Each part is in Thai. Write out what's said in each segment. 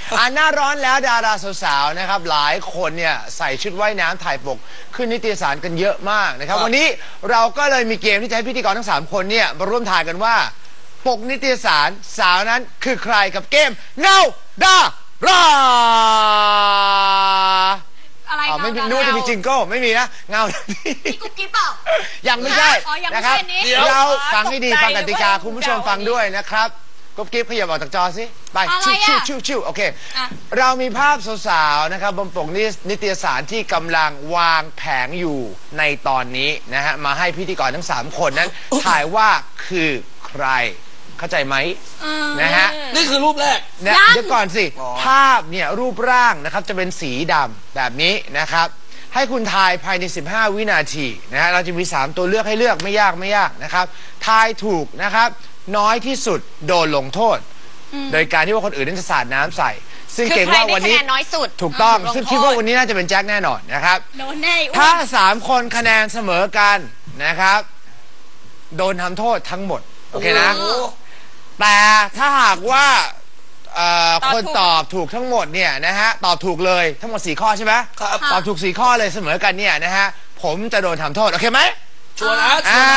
หน้าร้อนแล้วดาราสาวๆนะครับหลายคนเนี่ยใส่ชุดว่ายน้ำถ่ายปกขึ้นนิตยสารกันเยอะมากนะครับวันนี้เราก็เลยมีเกมที่จะให้พิธีกรทั้ง3คนเนี่ยมาร่วมทายกันว่าปกนิตยสารสาวนั้นคือใครกับเกมเงาดาราอะไรไม่มีนู้นจะมีจิงโก้ไม่มีนะเงาพี่กุ๊กกิ๊บเปล่ายังไม่ใช่นะครับเราฟังให้ดีฟังกติกาคุณผู้ชมฟังด้วยนะครับกุ๊บกิ๊บขยับออกจากจอสิไปชิวโอเคเรามีภาพสาวๆนะครับบนปกนิตยสารที่กำลังวางแผงอยู่ในตอนนี้นะฮะมาให้พิธีกรทั้ง3คนนั้นถ่ายว่าคือใครเข้าใจไหมนะฮะนี่คือรูปแรกนะเดี๋ยวก่อนสิภาพเนี่ยรูปร่างนะครับจะเป็นสีดำแบบนี้นะครับให้คุณทายภายใน15วินาทีนะฮะเราจะมี3ตัวเลือกให้เลือกไม่ยากนะครับทายถูกนะครับน้อยที่สุดโดนลงโทษโดยการที่ว่าคนอื่นนั้นจะสาดน้ำใส่ซึ่งเก่งว่าวันนี้น้อยสุดถูกต้องซึ่งคิดว่าวันนี้น่าจะเป็นแจ็คแน่นอนนะครับโดนแน่ถ้า3คนคะแนนเสมอกันนะครับโดนทำโทษทั้งหมดโอเคนะแต่ถ้าหากว่าคนตอบถูกทั้งหมดเนี่ยนะฮะตอบถูกเลยทั้งหมด4ข้อใช่ไหมครับตอบถูก4ข้อเลยเสมอกันเนี่ยนะฮะผมจะโดนทำโทษโอเคไหมชัวร์นะ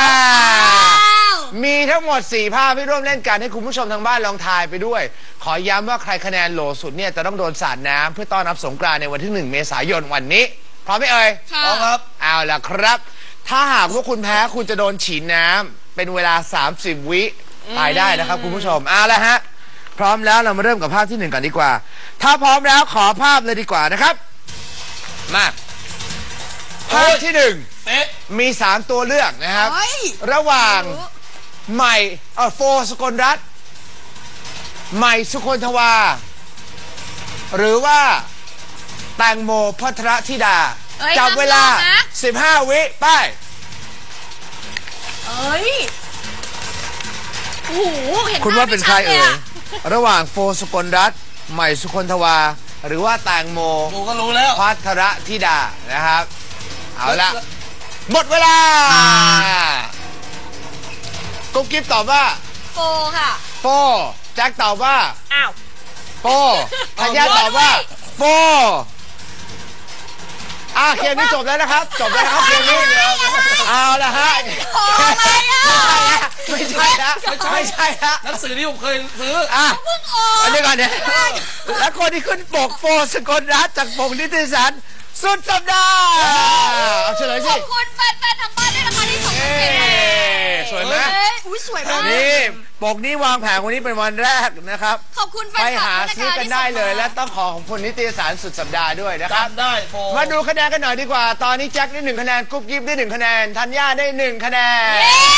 มีทั้งหมด4ภาพที่ร่วมเล่นกันให้คุณผู้ชมทางบ้านลองทายไปด้วยขอย้ำว่าใครคะแนนโหลสุดเนี่ยจะต้องโดนสาดน้ำเพื่อต้อนรับสงกรานต์ในวันที่1 เมษายนวันนี้พร้อมไหมเอ่ยพร้อมครับเอาล่ะครับถ้าหากว่าคุณแพ้คุณจะโดนฉีดน้ำเป็นเวลา30 วิตายได้นะครับคุณผู้ชมเอาละฮะพร้อมแล้วเรามาเริ่มกับภาพที่1ก่อนดีกว่าถ้าพร้อมแล้วขอภาพเลยดีกว่านะครับมาภาพที่1มี3ตัวเลือกนะครับระหว่างใหม่โฟสกลรัตน์ใหม่สุคนทวาหรือว่าแตงโมภัทรธิดาจับเวลา15 วิไปคุณว่าเป็นใครเอ่ยระหว่างโฟสกลรัตน์ใหม่สุคนทวาหรือว่าแตงโมก็รู้แล้วภัทรธิดานะครับเอาละหมดเวลากุ๊กกิ๊บตอบว่าโฟค่ะโฟแจ็คตอบว่าอ้าวโฟธัญญาตอบว่าโฟเกมนี้จบแล้วนะครับจบแล้วครับเกมนี้เอาละฮะไม่ใช่หนังสือที่ผมเคยซื้ออันนี้ก่อนเนี่ยแล้วคนที่ขึ้นปกโฟสกลรัตน์จากปกนิตยสารสุดสัปดาห์เอาเฉลยสิขอบคุณแฟนๆทางบ้านด้วยนะคะที่ส่งมาสวยไหมสวยมากนี่ปกนี้วางแผงวันนี้เป็นวันแรกนะครับขอบคุณแฟนๆไปหาซื้อกันได้เลยและต้องขอของคนนิตยสารสุดสัปดาห์ด้วยนะครับได้มาดูคะแนนกันหน่อยดีกว่าตอนนี้แจ็คได้1 คะแนนกุ๊บกิ๊บได้1 คะแนนธัญญาได้1 คะแนน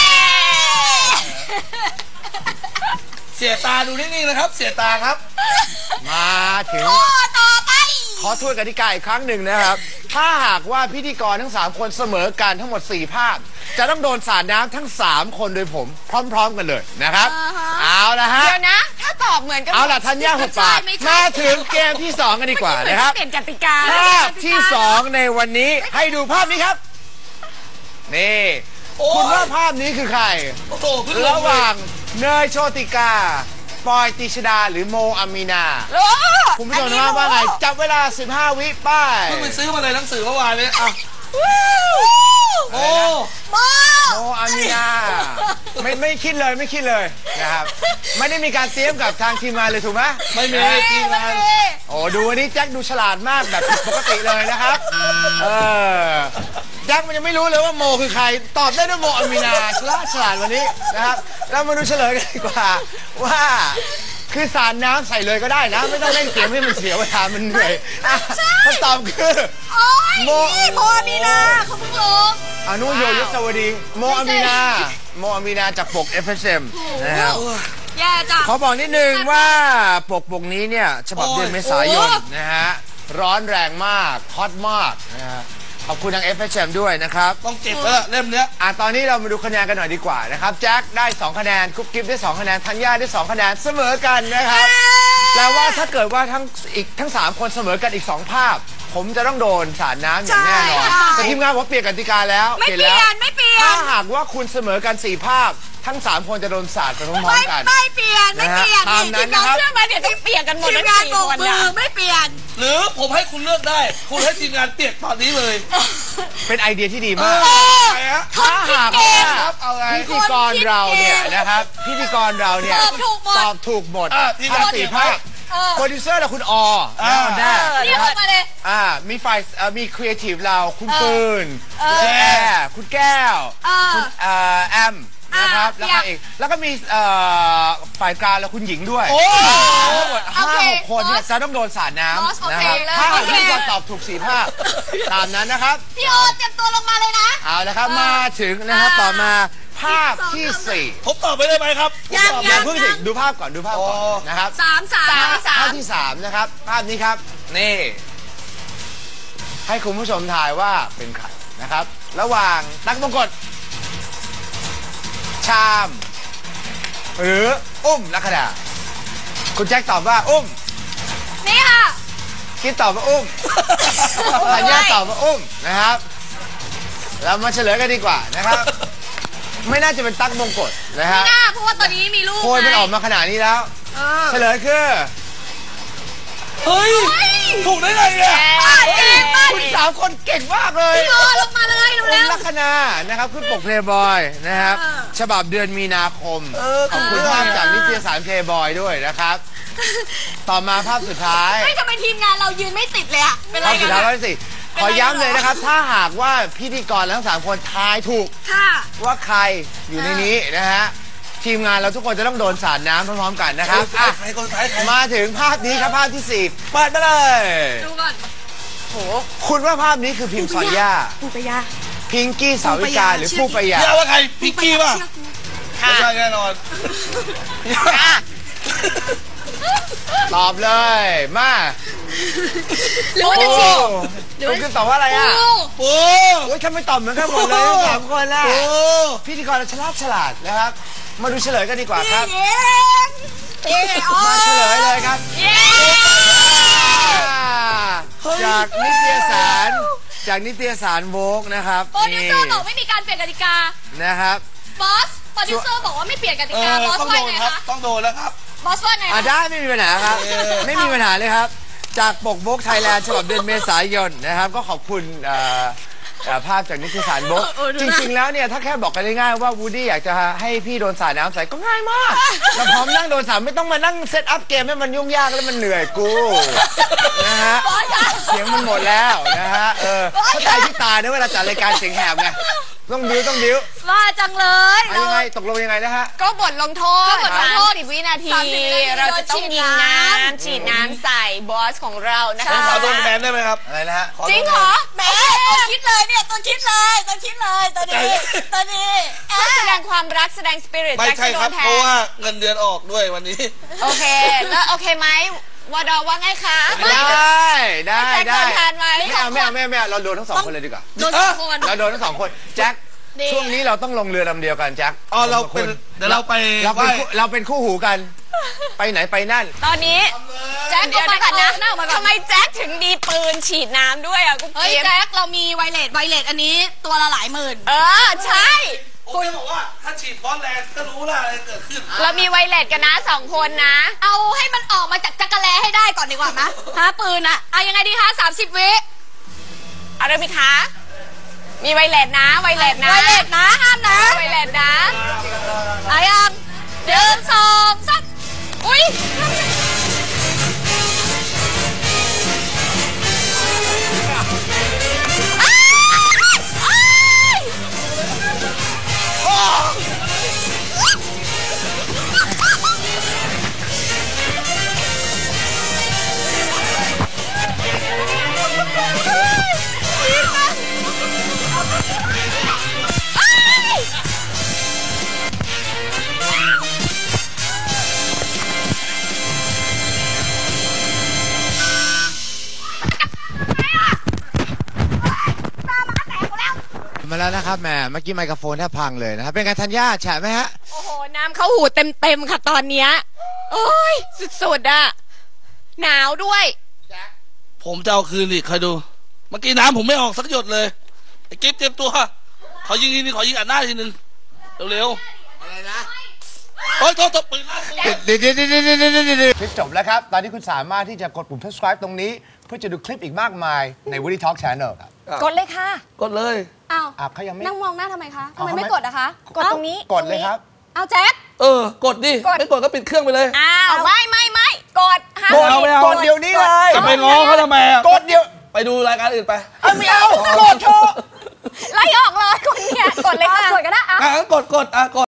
เสียตาดูนิ่งๆนะครับเสียตาครับมาถึงต่อไปขอทวนกติกาอีกครั้งหนึ่งนะครับถ้าหากว่าพิธีกรทั้ง3คนเสมอกันทั้งหมด4 ภาพจะต้องโดนสาดน้ำทั้ง3 คนโดยผมพร้อมๆกันเลยนะครับเอาละฮะเดี๋ยวนะถ้าตอบเหมือนกันเอาล่ะธัญญาหุบปากมาถึงเกมที่2กันดีกว่านะครับเปลี่ยนกติกาภาพที่2ในวันนี้ให้ดูภาพนี้ครับนี่คุณว่าภาพนี้คือใครระหว่างเนยโชติกาปอยติชดาหรือโมอามีนาคุณผู้ชมว่าไงจับเวลา15 วิป้ายเพิ่งไปซื้อมาเลยหนังสือเมื่อวานเลยโมอามีนาไม่คิดเลยนะครับไม่ได้มีการเตรียมกับทางทีมงานเลยถูกไหมไม่มีทีมงานโอ้ดูวันนี้แจ็คดูฉลาดมากแบบปกติเลยนะครับแจ็คมันยังไม่รู้เลยว่าโมคือใครตอบได้ด้วยโมอามีนาฉลาดวันนี้นะครับเรามาดูเฉลยกันดีกว่าว่าคือสารน้ำใส่เลยก็ได้นะไม่ต้องเล่นเกมให้มันเสียเวลามันเหนื่อยคำตอบคือโมอามีนาเขาเพิ่งลงนุโยยศวดีโมอามีนาจากปก FSM นะครับขอบอกนิดนึงว่าปกนี้เนี่ยฉบับเดือนเมษายนนะฮะร้อนแรงมากฮอตมากนะฮะขอบคุณทาง FHM ด้วยนะครับต้องเก็บเล่มเนี้ยตอนนี้เรามาดูคะแนนกันหน่อยดีกว่านะครับแจ็คได้2 คะแนนกุ๊บกิ๊บได้2 คะแนนธัญญาได้2 คะแนนเสมอกันนะครับแปลว่าถ้าเกิดว่าทั้ง3 คนเสมอกันอีก2 ภาพผมจะต้องโดนสาดน้ำอย่างแน่นอนใช่แต่ทีมงานผมเปลี่ยนกติกาแล้วไม่เปลี่แล้วยนไม่เปลี่ยถ้าน หากว่าคุณเสมอกัน4ภาพทั้ง3คนจะโดนสาดไปพร้อมๆกันไม่เปลี่ยนไม่เปลี่ยนนะฮะตามนั้นนะครับเชื่อไหมเดี๋ยวต้องเปลี่ยนกันหมดทีทั้มงงานสี่โบกคนมืนะอไม่เปลี่ยนหรือผมให้คุณเลือกได้ คุณให้ทีมงานเปลี่ยนตอนนี้เลยเป็นไอเดียที่ดีมากไงฮะถ้าหากว่าครับเอาไงพิธีกรเราเนี่ยนะครับ พิธีกรเราเนี่ยตอบถูกหมดตอบถูกหมดทีมทั้งาง นสี่ภาพ โปรดิวเซอร์เราคุณและฮอนด้าเรียกออกมาเลยมีฝ่ายมีครีเอทีฟเราคุณปืน คุณแอร์คุณแก้ว คุณแอมนะครับ แล้วก็อีกแล้วก็มีฝ่ายกลางแล้วคุณหญิงด้วยโอ้ทั้งหมดโอเค 5-6 คนเนี่ยจะต้องโดนสาดน้บอสำนะครับโอเคถ้าหากโอเคพิธีกรตอบถูก4ภาพตามนั้นนะครับพี่โอเตรียมตัวลงมาเลยนะเอาละครับมาถึงนะครับต่อมาภาพที่ผมตอบไปได้ไหมครับยัง 4อย่าเพิ่งสิดูภาพก่อนดูภาพก่อนโอ้นะครับสามภาพที่3นะครับภาพนี้ครับนี่ให้คุณผู้ชมทายว่าเป็นใครนะครับ ระหว่างตั๊กมงกฎชาม หรืออุ้มลัคดาคุณแจ็คตอบว่าอุ้มนี่ค่ะคิดตอบว่าอุ้มธัญญาตอบว่าอุ้มนะครับเรามาเฉลยกันดีกว่านะครับ ไม่น่าจะเป็นตั๊กมงกฎนะครับหน้าเพราะว่าตอนนี้มีลูกโพยมันออกมาขนาดนี้แล้ว เฉลยคือเฮ้ย ถูกได้ไงเนี่ยป้าเก่งป้าคุณ3 คนเก่งมากเลยพี่โอลงมาเลยอุ้เร็มวลัคนานะครับขึ้นปกเพลย์บอยนะครับ ฉบับเดือนมีนาคม ขอบคุณภาพจากนิตยสารเพลย์บอยด้วยนะครับ ต่อมาภาพสุดท้ายๆไม่ทำไมทีมงานเรายืนไม่ติดเลยอะเป็นไรภาพสุกัดนท้ายอะร้อยสี่ขอย้ำเลยนะครับ ถ้าหากว่าพิธีกรทั้ง3 คนทายถูกค่ะว่าใครอยู่ในนี้นะฮะทีมงานเราทุกคนจะต้องโดนสาดน้ำพร้อมๆกันนะครับอ่ะใครคนท้ายใครมาถึงภาพนี้ครับภาพที่4เปิดมาเลยดูก่อนคุณว่าภาพนี้คือพิมพ์ซอนย่าปูปยาพิงกี้สาวิกาหรือผู้ประหยัดพี่ว่าใครพิกกี้ป่ะไม่ใช่แน่นอนตอบเลยมาหรือว่าจะโอ้ฉีกคุณคือตอบว่าอะไรอ่ะปูโอ้ยทำไมตอบเหมือนกันหมดเลยทั้ง3 คนล่ะปูพิธีกรเราฉลาดนะครับ มาดูเฉลยกันดีกว่าครับเย้เย้อ๋อมาเฉลยเลยครับเย้จากนิตยสารโวกนะครับโปรดิวเซอร์บอกไม่มีการเปลี่ยนกติกานะครับบอส โปรดิวเซอร์บอกว่าไม่เปลี่ยนกติกา บอสต้องว่าโดนไงครับคะต้องโดนแล้วครับบอสว่าไงอ่ะคะได้ไม่มีปัญหาครับ ไม่มีปัญหาเลยครับ จากปกโวกไทยแลนด์ฉบับเดือนเมษายนนะครับ ก็ขอบคุณภาพจากนิตยสารโวกจริงๆแล้วเนี่ยถ้าแค่บอกกันง่ายๆว่าวูดดี้อยากจะให้พี่โดนสาดน้ำใส่ก็ง่ายมากเราพร้อมนั่งโดนสาดไม่ต้องมานั่งเซตอัพเกมให้มันยุ่งยากแล้วมันเหนื่อยกูนะฮะบอสคะเสียงมันหมดแล้วนะฮะเข้าใจที่ตาเนี่ยเวลาจัดรายการเสียงแหบไงต้องบิ้วว่าจังเลยเอายังไงตกลงยังไงนะฮะก็บทลงโทษก็บทลงโทษ 30 วินาที 30 วินาทีเราจะต้องยิงน้โดนฉีดน้ำำฉีดน้ำใส่บอสของเรานะผมคะขอโดนแทนได้ไหมครับอะไรนะฮะขอโดนจริงเหรอแหม่ตัวคิดเลยเนี่ยตัวคิดเลยตัวคิดเลยตัวนี้ตัวนี้แสดงความรักแสดงสปิริตไม่แจ็คใช่จะโดครับนแทเพราะนว่าเงินเดือนออกด้วยวันนี้โอเค แล้วโอเคไหมวดอว่าไงคะได้แจ็คโดนแทนไหมไม่เอาเราโดนทั้ง2 คนเลยดีกว่าโดนสองคนเราโดนทั้ง2 คนแจ็คดีช่วงนี้เราต้องลงเรือลำเดียวกันแจ็คอ๋อเราเป็นเดี๋ยวเราไปเราเป็นคู่หูกัน ไปไหนไปนั่นตอนนี้แจ็คเดี๋เดี๋ยยว วก่อนนะหน้าออกมาก่อนทำไมแจ็คถึงมีปืนฉีดน้ำด้วยอ่ะกุ๊กเฮ้ยกิ๊บแจ็คเรามีไวเลสอันนี้ตัวละหลายหมื่นใช่คุณบอกว่าถ้าฉีดบอสแลนด์ก็รู้แล้วอะไรเกิดขึ้นเรามีไวเลสกันนะ2 คนนะเอาให้มันออกมาจากจักรแลให้ได้ก่อนดีกว่านะหาปืนอะเอายังไงดีคะ30 วิเอาเลยไหมคะ มีไวเลสนะ ไวเลสนะไวเลสนะห้ามนะไวเลสนะเอายัง1 2 3อุ้ยมาแล้วนะครับแหมเมื่อกี้ไมโครโฟนแทบพังเลยนะครับเป็นไงธัญญาแฉะไหมฮะโอ้โห น้ำเข้าหูเต็มค่ะตอนเนี้ยโอ้ย สุดๆอะหนาวด้วยผมจะเอาคืนอีกคอยดู เมื่อกี้น้ำผมไม่ออกสักหยดเลยไอ้กิ๊บเตรียมตัวขอยิงทีนึงขอยิงอัดหน้าทีนึงเร็วๆอะไรนะโอ๊ยโทษปืนลั่นเดี๋ยวคลิปจบแล้วครับ ตอนนี้คุณสามารถที่จะกดปุ่ม subscribe ตรงนี้ เพื่อจะดูคลิปอีกมากมายใน Woody Talk Channel ครับกดเลยค่ะกดเลยอ้าวเขายังไม่นั่งมองหน้าทำไมคะทำไมเอาไม่ทำไมกดอะคะ กดตรงนี้กดเลยครับเอาแจ๊คกดดิ ไม่กดก็ปิดเครื่องไปเลยอ้าวไม่กดห้ามกดเอาไม่เอากดเดี๋ยวนี้เลยจะไปง้อเขาทำไมอ่ะกดเดี๋ยวไปดูรายการอื่นไปไม่เอากดเถอะไล่ออกเลยคนเนี่ยกดเลยค่ะ กดก็ได้อะงั้นกดกด